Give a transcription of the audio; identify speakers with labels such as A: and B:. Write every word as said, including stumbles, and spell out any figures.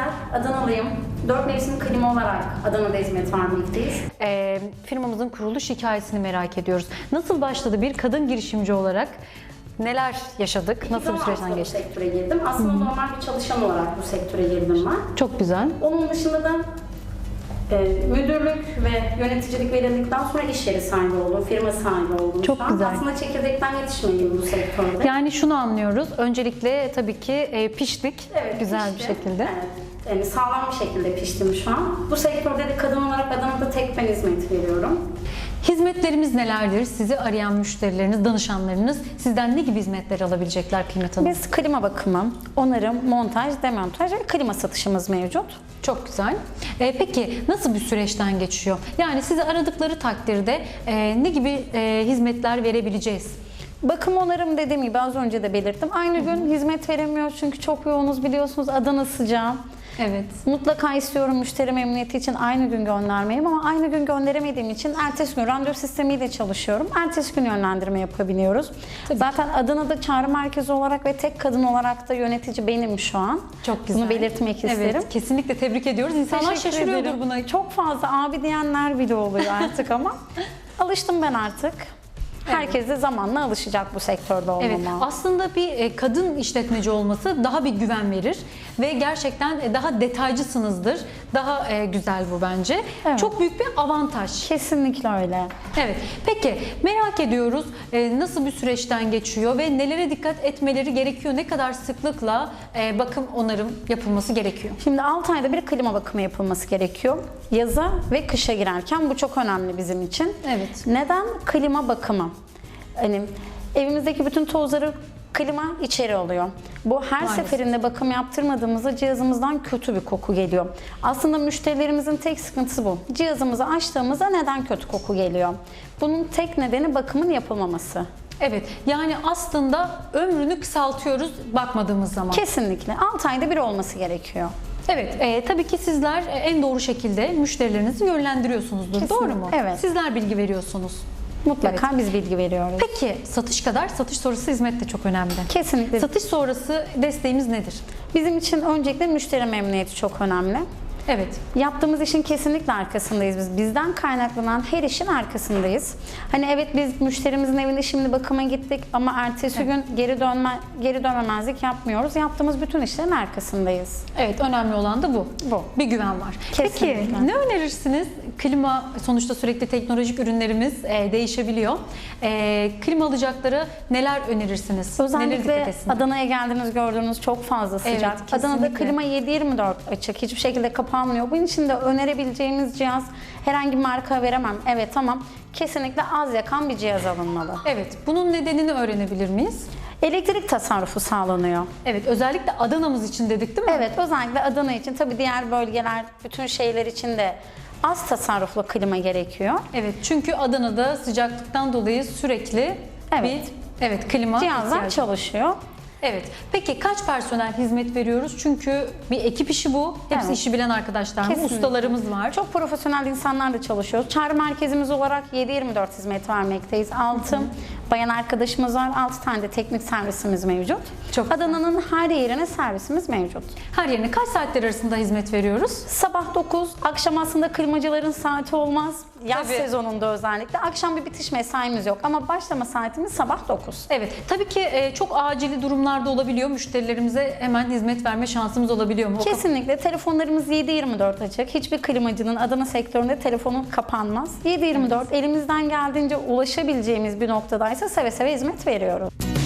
A: Sezer, Adanalıyım. Dört mevsim klima olarak Adana'da hizmet vermekteyiz.
B: Ee, firmamızın kuruluş hikayesini merak ediyoruz. Nasıl başladı bir kadın girişimci olarak? Neler yaşadık? Nasıl bir süreçten
A: Bu
B: geçtik?
A: sektöre girdim. Aslında normal bir çalışan olarak bu sektöre girdim ben.
B: Çok güzel.
A: Onun dışında da e, müdürlük ve yöneticilik verildikten sonra iş yeri sahibi oldum, firma sahibi oldum.
B: Çok
A: şu an.
B: güzel.
A: Aslında çekirdekten yetişmeyim bu sektörde.
B: Yani şunu anlıyoruz. Öncelikle tabii ki e, piştik.
A: Evet,
B: güzel
A: pişti.
B: bir şekilde.
A: Evet. Yani sağlam bir şekilde piştim şu an. Bu sektörde de kadın olarak Adana'da tek ben hizmet veriyorum.
B: Hizmetlerimiz nelerdir? Sizi arayan müşterileriniz, danışanlarınız sizden ne gibi hizmetler alabilecekler Kıymet Hanım?
C: Biz klima bakımı, onarım, montaj, demontaj ve klima satışımız mevcut.
B: Çok güzel. Ee, peki nasıl bir süreçten geçiyor? Yani sizi aradıkları takdirde e, ne gibi e, hizmetler verebileceğiz?
C: Bakım onarım dediğim gibi az önce de belirttim. Aynı gün hizmet veremiyoruz çünkü çok yoğunuz biliyorsunuz, Adana sıcağı.
B: Evet.
C: Mutlaka istiyorum müşteri memnuniyeti için aynı gün göndermeyi ama aynı gün gönderemediğim için ertesi gün randevu sistemiyle çalışıyorum. Ertesi gün yönlendirme yapabiliyoruz.
B: Tabii
C: Zaten Adana'da çağrı merkezi olarak ve tek kadın olarak da yönetici benim şu an.
B: Çok güzel.
C: Bunu belirtmek isterim.
B: Evet, kesinlikle tebrik ediyoruz. İnsanlar
C: Teşekkür
B: şaşırıyordur
C: ederim.
B: buna.
C: Çok fazla abi diyenler bile oluyor artık ama alıştım ben artık. Herkes de zamanla alışacak bu sektörde olmama.
B: Evet, aslında bir e, kadın işletmeci olması daha bir güven verir ve gerçekten e, daha detaycısınızdır. Daha e, güzel bu bence.
C: Evet.
B: Çok büyük bir avantaj.
C: Kesinlikle öyle.
B: Evet. Peki merak ediyoruz e, nasıl bir süreçten geçiyor ve nelere dikkat etmeleri gerekiyor? Ne kadar sıklıkla e, bakım onarım yapılması gerekiyor?
C: Şimdi altı ayda bir klima bakımı yapılması gerekiyor. Yaza ve kışa girerken bu çok önemli bizim için.
B: Evet.
C: Neden? Klima bakımı. Hani evimizdeki bütün tozları klima içeri alıyor. Bu her
B: Maalesef.
C: seferinde bakım yaptırmadığımızda cihazımızdan kötü bir koku geliyor. Aslında müşterilerimizin tek sıkıntısı bu. Cihazımızı açtığımızda neden kötü koku geliyor? Bunun tek nedeni bakımın yapılmaması.
B: Evet. Yani aslında ömrünü kısaltıyoruz bakmadığımız zaman.
C: Kesinlikle. altı ayda bir olması gerekiyor.
B: Evet, e, tabii ki sizler e, en doğru şekilde müşterilerinizi yönlendiriyorsunuzdur.
C: Kesinlikle,
B: Doğru mu?
C: evet.
B: Sizler bilgi veriyorsunuz.
C: Mutlaka biz bilgi veriyoruz.
B: Peki satış kadar satış sonrası hizmet de çok önemli.
C: Kesinlikle.
B: Satış sonrası desteğimiz nedir?
C: Bizim için öncelikle müşteri memnuniyeti çok önemli.
B: Evet.
C: Yaptığımız işin kesinlikle arkasındayız biz. Bizden kaynaklanan her işin arkasındayız. Hani evet biz müşterimizin evinde şimdi bakıma gittik ama ertesi gün geri dönme geri dönmemezlik yapmıyoruz. Yaptığımız bütün işlerin arkasındayız.
B: Evet, önemli olan da bu.
C: Bu.
B: Bir güven var.
C: Kesinlikle.
B: Peki ne önerirsiniz? Klima sonuçta sürekli teknolojik ürünlerimiz e, değişebiliyor. E, klima alacaklara neler önerirsiniz? Neler dikkat
C: Özellikle
B: etsinler?
C: Adana'ya geldiğiniz gördüğünüz çok fazla sıcak.
B: Evet,
C: Adana'da
B: kesinlikle.
C: klima yedi yirmi dört açık. Hiçbir şekilde kapanmıyor. Bunun için de önerebileceğimiz cihaz herhangi bir marka veremem. Evet tamam. Kesinlikle az yakan bir cihaz alınmalı.
B: Evet, bunun nedenini öğrenebilir miyiz?
C: Elektrik tasarrufu sağlanıyor.
B: Evet, özellikle Adana'mız için dedik değil mi?
C: Evet, özellikle Adana için, tabii diğer bölgeler, bütün şehirler için de az tasarruflu klima gerekiyor.
B: Evet, çünkü Adana'da sıcaklıktan dolayı sürekli
C: Evet.
B: bir evet klima
C: Cihazlar
B: ihtiyacı.
C: çalışıyor.
B: Evet. Peki kaç personel hizmet veriyoruz? Çünkü bir ekip işi bu. Hepsi
C: Evet.
B: işi bilen arkadaşlar mı?
C: Kesinlikle.
B: Ustalarımız var.
C: Çok profesyonel insanlarla çalışıyoruz. Çağrı merkezimiz olarak yedi yirmi dört hizmet vermekteyiz. altı bayan arkadaşımız var. altı tane de teknik servisimiz mevcut.
B: Çok
C: Adana'nın her yerine servisimiz mevcut.
B: Her yerine kaç saatler arasında hizmet veriyoruz?
C: Sabah dokuz, akşam aslında klimacıların saati olmaz. Yaz
B: Tabii.
C: sezonunda özellikle. Akşam bir bitiş mesaimiz yok ama başlama saatimiz sabah dokuz.
B: Evet. Tabii ki e, çok acili durumlarda olabiliyor. Müşterilerimize hemen hizmet verme şansımız olabiliyor mu? O kap-
C: Kesinlikle. Telefonlarımız yedi yirmi dört açık. Hiçbir klimacının Adana sektöründe telefonu kapanmaz. yedi yirmi dört elimizden geldiğince ulaşabileceğimiz bir noktadaysa seve seve hizmet veriyoruz.